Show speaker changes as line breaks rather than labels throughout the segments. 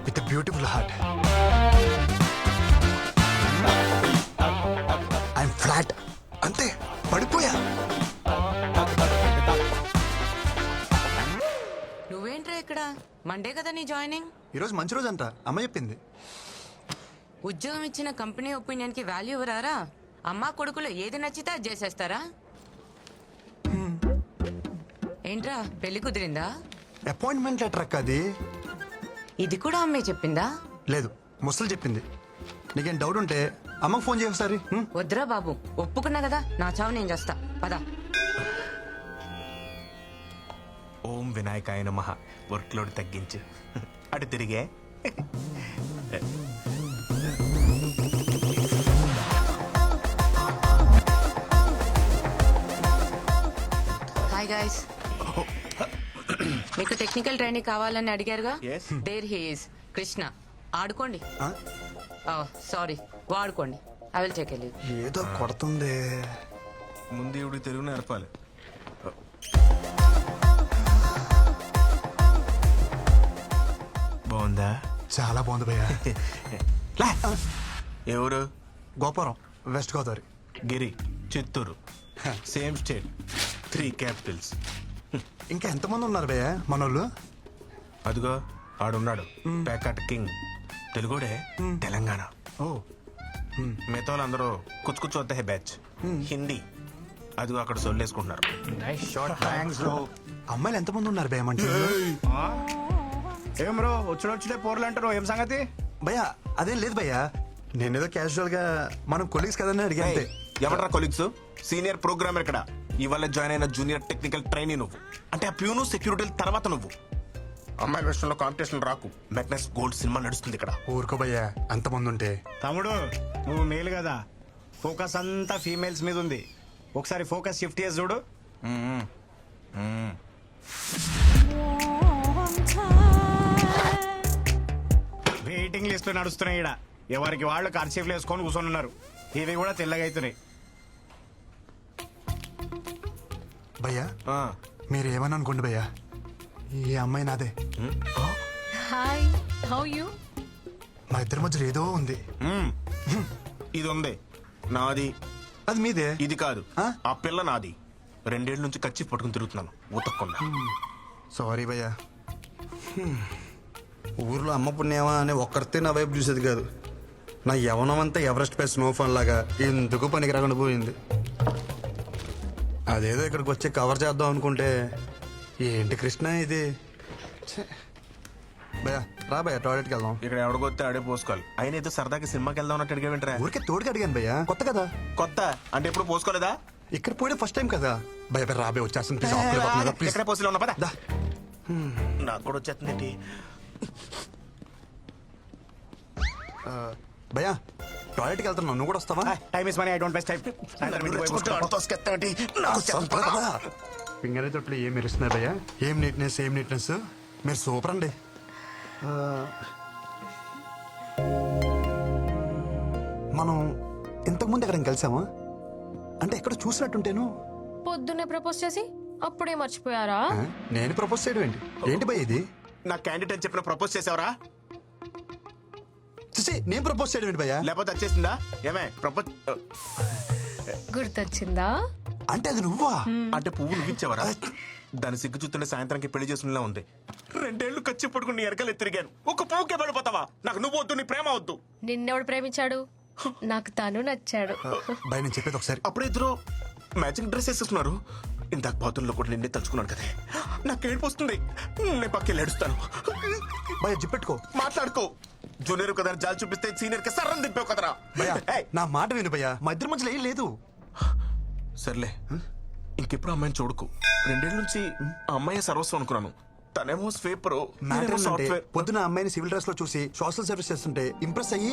With beautiful heart. I'm flat అంతే, పడిపోయా.
నువ్వేంట్రా ఇక్కడ? మండే కదా నీ జాయినింగ్?
ఈరోజు మంచి రోజు అంట, అమ్మ చెప్పింది.
ఉద్యోగం ఇచ్చిన కంపెనీ ఒపీనియన్ కి వాల్యూ ఇవ్వరారా? అమ్మా కొడుకులు ఏది నచ్చితే అది చేసేస్తారా? ఏంట్రా పెళ్లి కుదిరిందా?
అపాయింట్మెంట్ లెటర్ అక్క అది.
ఇది కూడా అమ్మే చెప్పిందా?
లేదు, ముసలు చెప్పింది. నీకేం డౌట్ ఉంటే అమ్మకు ఫోన్ చేయ ఒకసారి.
వద్దురా బాబు, ఒప్పుకున్నా కదా, నా చావు నేను చేస్తా. పదా.
ఓం వినాయకాయ నమః. వర్క్ లోడ్ తగ్గించు. అటు తిరిగే.
Hi guys. మీకు టెక్నికల్ ట్రైనింగ్ కావాలని అడిగారుగా?
Yes.
There he is Krishna. ఆడుకోండి.
ఆ?
సారీ, వాడుకోండి. I will take leave.
ఏదో కొడుతుంది.
ముందు ఇవి తెలుగు నేర్పాలి. బాగుందా?
చాలా బాగుంది భయ్యా.
లే. ఎవరు?
Gopuram, west Godavari.
Giri, Chittoor. Same state, 3 capitals.
ఇంకా ఎంతమంది ఉన్నారు భయ్యా మనోళ్ళు?
అదిగో ఆడున్నాడు, ప్యాకట్ కింగ్. తెలుగుడే, తెలంగాణ.
ఓ,
మిగతా వాళ్ళందరూ కుచ్చు కుచ్చు వద్ద బ్యాచ్. హిందీ. అదిగో అక్కడ సొల్లేసుకుంటున్నారు.
అమ్మాయిలు ఎంతమంది ఉన్నారు భయ్యా మంచి?
ఏం బ్రో వచ్చుడే పోర్లు అంటారు, ఏం సంగతి?
భయ్యా అదేం లేదు భయ్యా, నేనేదో క్యాజువల్ గా మనం కొలీగ్స్ కదని అడిగా అంతే.
ఎవరా కొలీగ్స్? సీనియర్ ప్రోగ్రామర్ ఇక్కడ. ఇవాళ జాయిన్ అయిన జూనియర్ టెక్నికల్ ట్రైనీ నువ్వు. అంటే ఆ ప్యూను సెక్యూరిటీ తర్వాత నువ్వు. అమ్మాయి విషయంలో కాంపిటీషన్ రాకు. మెగ్నస్ గోల్డ్ సినిమా నడుస్తుంది ఇక్కడ.
ఊరుకో భయ్యా, అంతమంది ఉంటే.
తమ్ముడు నువ్వు మేలు కదా, ఫోకస్ అంతా ఫీమేల్స్ మీద ఉంది. ఒకసారి ఫోకస్ షిఫ్ట్ చేసి చూడు. వెయిటింగ్ లిస్ట్ నడుస్తున్నాయి ఇక్కడ. ఎవరికి వాళ్ళు కర్చీఫ్లు వేసుకొని కూర్చొని ఉన్నారు. ఇవి కూడా తెల్లగా అవుతున్నాయి.
భయ్యా
ఆ,
మీరు ఏమని అనుకోండి భయ్యా, ఈ అమ్మాయి నాదే.
Hi, how you?
మా ఇద్దరి మధ్యలో ఏదో ఉంది.
ఇది ఉంది నాది.
అది మీదే.
ఇది కాదు,
ఆ?
ఆ పిల్ల నాది. 2 ఏళ్ల నుంచి కచ్చి పట్టుకుని తిరుగుతున్నాను ఉతక్కుండా.
సారీ భయ్యా. ఊర్లో అమ్మ పుణ్యమా అని ఒక్కరితే నా వైపు చూసేది కాదు. నా యవనం అంతా ఎవరెస్ట్ పై స్నోఫాన్ లాగా ఎందుకు పనికి రాకుండా పోయింది. అదేదో ఇక్కడికి వచ్చి కవర్ చేద్దాం అనుకుంటే ఏంటి కృష్ణ ఇది. ఛే. భయ్యా రా భయ్యా, టాయిలెట్కి వెళ్దాం.
ఇక్కడ ఎవడికొస్తే ఆడే పోసుకోవాలి. అయినా ఏదో సరదాకి సినిమాకి వెళ్దాం అన్నట్టు అడిగా.
ఊరికే తోడుకి అడిగాను భయ్యా, కొత్త కదా.
కొత్త అంటే ఎప్పుడు పోసుకోలేదా?
ఇక్కడ పోయే ఫస్ట్ టైం కదా. భయ రాబే వచ్చేస్తాను ప్లీజ్. ప్లీజ్
ఎక్కడ పోసిలో ఉన్నా పదా.
దా.
నాకు కూడా వచ్చేస్తుంది.
భయ్యా టాయిలెట్కి వెళ్తున్నావు, నువ్వు కూడా వస్తావా?
Time is money, I don't waste time.
Finger తొట్లు ఏం మెరుస్తున్నాయి భయ్యా, ఏం నీట్నెస్, ఏం నీట్నెస్. మీరు సూపర్ అండి. మనం ఇంతకుముందు ఎక్కడ కలిసామా? అంటే ఎక్కడ చూసినట్టుంటేను.
పొద్దున్నే ప్రపోజ్ చేసి అప్పుడే మర్చిపోయారా?
నేను ప్రపోజ్ చేయడం ఏంటి? ఏంటి భయ్య ఇది?
నా క్యాండిడేట్ అని చెప్పిన ప్రపోజ్ చేసావరా?
నేను ప్రపోజ్ చేయడం ఏంటి భయ్యా?
లేకపోతే వచ్చేసిందా? ఏమే ప్రపోజ్
గుర్తొచ్చిందా?
అంటే అది నువ్వా?
అంటే పువ్వు నువ్విచ్చావరా? దాని సిగ్గు చూస్తుంటే సాయంత్రానికి పెళ్లి చేసుకునేలా ఉంది. 2 ఏళ్లు ఖర్చు పట్టుకుని ఎరకలు తిరిగాను. ఒక పువ్వుకే పడిపోతావా? నాకు నువ్వు వద్దు, నీ ప్రేమ వద్దు.
నిన్నెవడు ప్రేమించాడు? నాకు తను నచ్చాడు.
భయ నేను చెప్పేది ఒకసారి.
అప్పుడే ఇద్దరు మ్యాచింగ్ డ్రెస్ వేసేస్తున్నారు. ఇందాక బాతుల్లో కూడా నిన్నే తలుచుకున్నాను కదా. నాకు ఏడుపు వస్తుంది. నేను పక్కకి ఏడుస్తాను.
భయ జిప్పెట్టుకో,
మాట్లాడుకో. జూనియర్ కదా జాలి చూపిస్తే సీనియర్ కి సర్రం దింపావు కదరా.
భయ్యా
ఏయ్,
నా మాట విను భయ్యా, మా ఇద్దరి మధ్యలో ఏం లేదు.
సర్లే ఇంకెప్పుడు అమ్మాయిని చూడకు. 2 ఏళ్ల నుంచి ఆ అమ్మాయి సర్వస్వం అనుకున్నాను. తనేమో స్వీపర్,
మ్యాటర్ ఏంటంటే
సాఫ్ట్వేర్.
పొద్దున అమ్మాయిని సివిల్ డ్రెస్ లో చూసి సోషల్ సర్వీస్ చేస్తుంటే ఇంప్రెస్ అయ్యి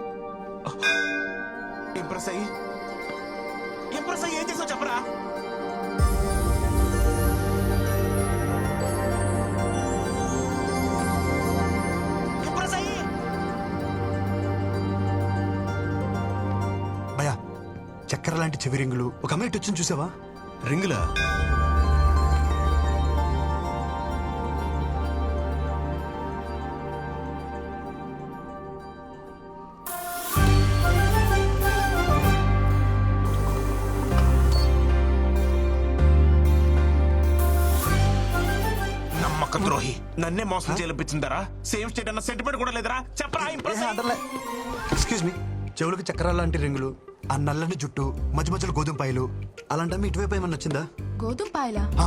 ఇంప్రెస్ అయ్యి ఏం చేసావు చెప్పరా? ఇంప్రెస్ అయ్యి
భయ్యా చక్కెర లాంటి చెవి రింగులు ఒక అమ్మాయి ఇటు వచ్చింది చూసావా?
రింగులా? నన్నే మోసం చేయించిందరా? సేమ్ స్టేట్ అన్న సెంటిమెంట్ కూడా లేదరా? చెప్పరా ఇంప్రెస్ అయ్యి.
ఎక్స్క్యూజ్ మీ, చెవులకు చక్రాల లాంటి రింగులు, ఆ నల్లని జుట్టు, మధ్య మధ్యలో గోధుమ పాయలు, అలాంటి ఇటువైపు ఏమన్నా వచ్చిందా?
గోధుమ పాయలా?
ఆ,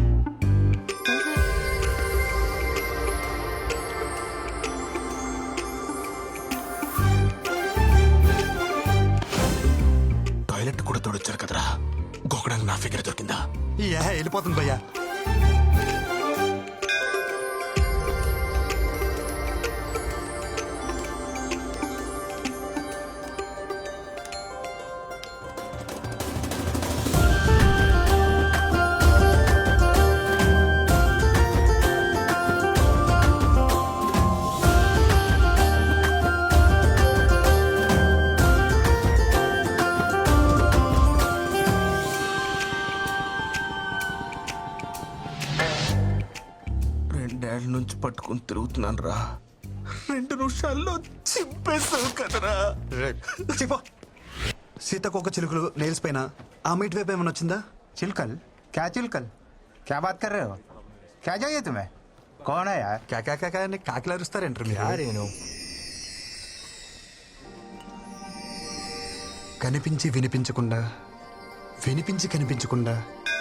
టాయిలెట్ కూడా తోడొచ్చారు కదరా, గోకడానికి నా ఫిగర్ దొరికిందా?
వెళ్ళిపోతుంది భయ్యా.
రెండేళ్ల నుంచి పట్టుకుని తిరుగుతున్నాను రా, 2 నిమిషాల్లో చింపేస్తావు కదరా.
చెప్పో. సీతకొక చిలుకలు నెయిల్స్ పైన ఆ మీట్ వైపు ఏమన్నా వచ్చిందా?
चिलकल? क्या चिलकल? क्या बात कर रहे हो? क्या चाहिए तुम्हें? कौन है यार?
కాకా అని కాకిలు అరుస్తారేంటారు మీరు? కనిపించి వినిపించకుండా, వినిపించి కనిపించకుండా.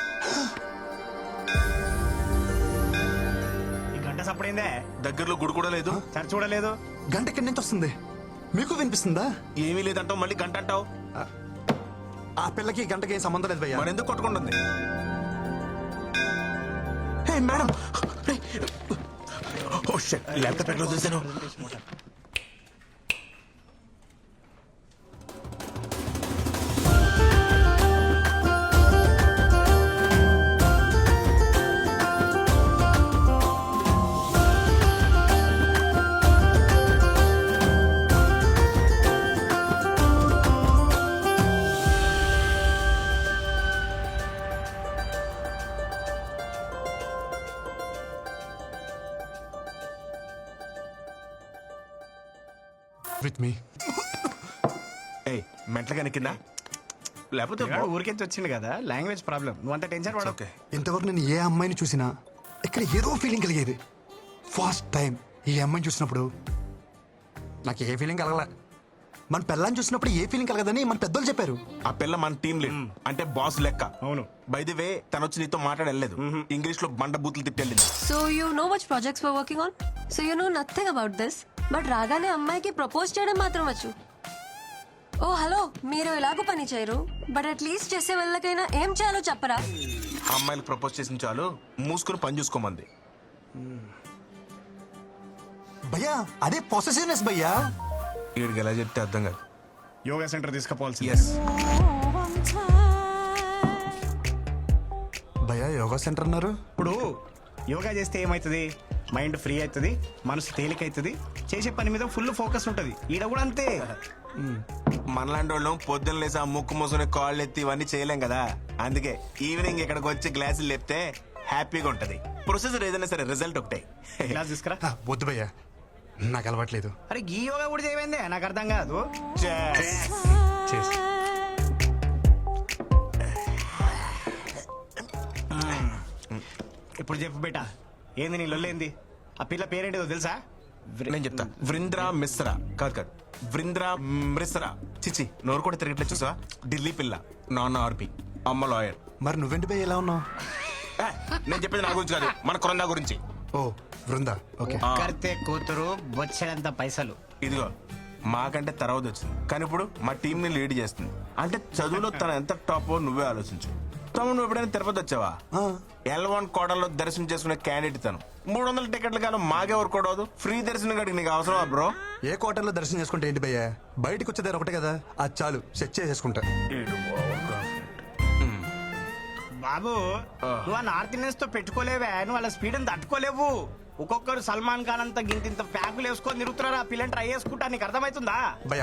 ఈ గంట సప్పుడైందే,
దగ్గరలో గుడి కూడా లేదు,
చర్చ చూడలేదు.
గంట ఎక్కడి నుంచి వస్తుంది? మీకు వినిపిస్తుందా?
ఏమీ లేదంటావు, మళ్ళీ గంట అంటావు.
ఆ పిల్లకి ఈ గంటకి ఏం సంబంధం లేదు భయ్యా.
మరి ఎందుకు కొట్టుకుంటుంది? Hey madam, oh shit, laptop ఎక్కడ చూసాను?
With me.
ఏయ్, మెంటలుగా కింద లేకపోతే
పిల్లాడు ఊరికెచ్చి వచ్చింది కదా, లాంగ్వేజ్ ప్రాబ్లం, నువ్వు అంత టెన్షన్ పడవు.
ఓకే.
ఇంతవరకు నేను ఏ అమ్మాయిని చూసినా ఇక్కడ ఏదో ఫీలింగ్ కలిగేది. ఫస్ట్ టైం ఈ అమ్మాయిని చూసినప్పుడు నాకు ఏ ఫీలింగ్ కలగలే. మన పిల్లని చూసినప్పుడు ఏ ఫీలింగ్ కలగదని మన పెద్దోళ్ళు చెప్పారు.
ఆ పిల్ల మన టీం లీడ్, అంటే బాస్ లెక్క.
అవును.
బై ది వే, తను వచ్చి నీతో మాట్లాడలేదు, ఇంగ్లీష్ లో బండ బూతులు తిట్టెళ్ళింది.
So you know which projects we're working on? So you know nothing about this. But రాగానే అమ్మాయికి ప్రపోజ్ చేయడం మాత్రం వచ్చు. ఓ హలో, మీరు ఎలాగో పని చేయరు, బట్ అట్లీస్ట్ చేసే వాళ్ళకైనా ఏం చేయాలో చెప్పరా?
అమ్మాయిలకు ప్రపోజ్ చేసిన చాలు, మూసుకుని పని చూసుకోమంది.
భయ్యా అదే పొసెసివ్నెస్ భయ్యా.
వీడికి ఎలా చెప్తే అర్థం కాదు.
Yoga centre తీసుకుపోవాల్సి.
ఎస్,
భయ్యా యోగా సెంటర్ అన్నారు.
ఇప్పుడు యోగా చేస్తే ఏమవుతుంది? మైండ్ ఫ్రీ అవుతుంది, మనసు తేలిక అవుతుంది, చేసే పని మీద ఫుల్ ఫోకస్ ఉంటుంది. ఈడ కూడా అంతే.
మనలాంటి వాళ్ళం పొద్దున్న లేసి ఆ ముక్కు మూసుకుని కాళ్ళు ఎత్తి ఇవన్నీ చేయలేం కదా. అందుకే ఈవినింగ్ ఇక్కడికి వచ్చి గ్లాసులు లేపితే హ్యాపీగా ఉంటది. ప్రొసెసర్ ఏదైనా సరే రిజల్ట్ ఒకటే.
క్లాస్ తీసుకురా.
వద్దు భయ్యా, నాకు అలవాట్లేదు.
అరే ఈ యోగా కూడా చేయమైందే, నాకు అర్థం కాదు.
చేసి
ఇప్పుడు చెప్పు బేటా, ఏంది నీ లొల్లేంది? ఆ పిల్ల పేరేంటిదో తెలుసా?
నేను చెప్తా. వృంద్రా మిశ్రా. కాదు కాదు, వృంద్రా మిశ్రా. చిచి, నోరు కూడా తిరగట్లేదు చూసా. ఢిల్లీ పిల్ల, నాన్న ఆర్పి, అమ్మ లాయర్.
మరి నువ్వేంటి భయ్య ఎలా ఉన్నావు?
నేను చెప్పేది నా గురించి కాదు, మన కొరందా గురించి.
ఓ బృందా, ఓకే.
కర్తే కూతురు బొచ్చడంత పైసలు.
ఇదిగో మాకంటే తర్వాత వచ్చింది, కానీ ఇప్పుడు మా టీం ని లీడ్ చేస్తుంది. అంటే చదువులో తన ఎంత టాప్ నువ్వే ఆలోచించు. తమ్ముడు నువ్వు ఎప్పుడైనా తిరుపతి వచ్చావా? L1 కోటలో దర్శనం చేసుకునే క్యాండిడేట్ తను. 300 టికెట్లు కాదు, మాకెవరు కూడదు. ఫ్రీ దర్శనం కాడికి నీకు అవసరమా బ్రో?
ఏ క్వార్టర్లో దర్శనం చేసుకుంటే ఏంటి భయ్యా, బయటకు వచ్చేదారు ఒకటే కదా, అది చాలు, సెట్ చేసేసుకుంటా.
బాబు నువ్వు ఆ నార్త్ ఇండియన్స్ తో పెట్టుకోలేవే, నువ్వు వాళ్ళ స్పీడ్ అని తట్టుకోలేవు. ఒక్కొక్కరు సల్మాన్ ఖాన్ అంత గింత ప్యాకులు వేసుకొని తిరుగుతున్నారు. ఆ పిల్లని ట్రై చేసుకుంటా, నీకు అర్థమవుతుందా?
భయ్యా